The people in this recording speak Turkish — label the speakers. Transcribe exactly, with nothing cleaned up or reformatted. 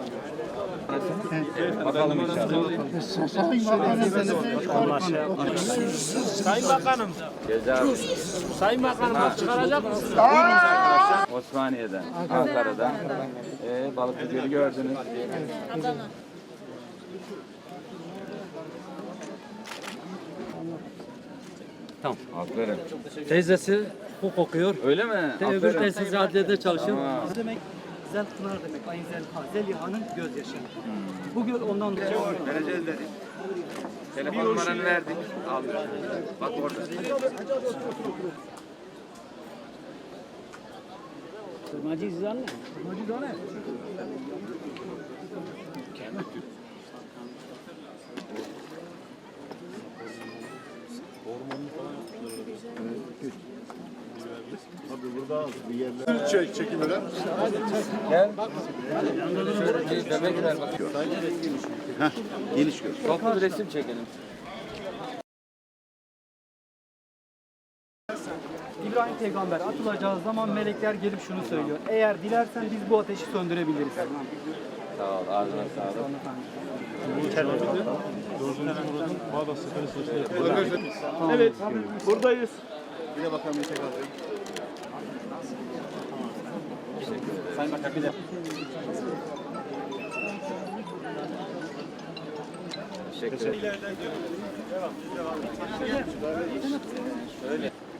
Speaker 1: Bakalım inşallah.
Speaker 2: Sayın Bakanım.
Speaker 1: Ceza
Speaker 2: Sayın Bakanım bak çıkaracak mısınız?
Speaker 1: Osmaniye'den, Ankara'dan. Ee, Balıklı Gölü gördünüz.
Speaker 3: Adana.
Speaker 4: Tamam.
Speaker 1: Aferin.
Speaker 4: Teyzesi hukuk okuyor.
Speaker 1: Öyle mi?
Speaker 4: Te öbür
Speaker 1: Aferin.
Speaker 4: teyzesi adliyede çalışıyor.
Speaker 1: Tamam.
Speaker 4: Ne demek? Zel Pınar demek. Ayın Zelha. Zeliha'nın gözyaşı. Bu göl ondan dolayı.
Speaker 1: Vereceğiz dedik. Telefon numaranı verdik. Aldık. Bak orada.
Speaker 4: Macizane. Macizane.
Speaker 5: Çek, çekimlere.
Speaker 1: Gel. Şöyle bir bebek ver bakıyor.
Speaker 5: Heh, geniş gör.
Speaker 1: Toplu bir resim çekelim.
Speaker 4: İbrahim peygamber atılacağı zaman melekler gelip şunu söylüyor. Eğer dilersen biz bu ateşi söndürebiliriz.
Speaker 1: Sağ ol. Ağzına sağlık.
Speaker 2: Evet buradayız.
Speaker 5: Bir de bakalım bir tekrar.
Speaker 1: Sayın Bakan bir de. Teşekkür ederim. Devam, devam. Şöyle.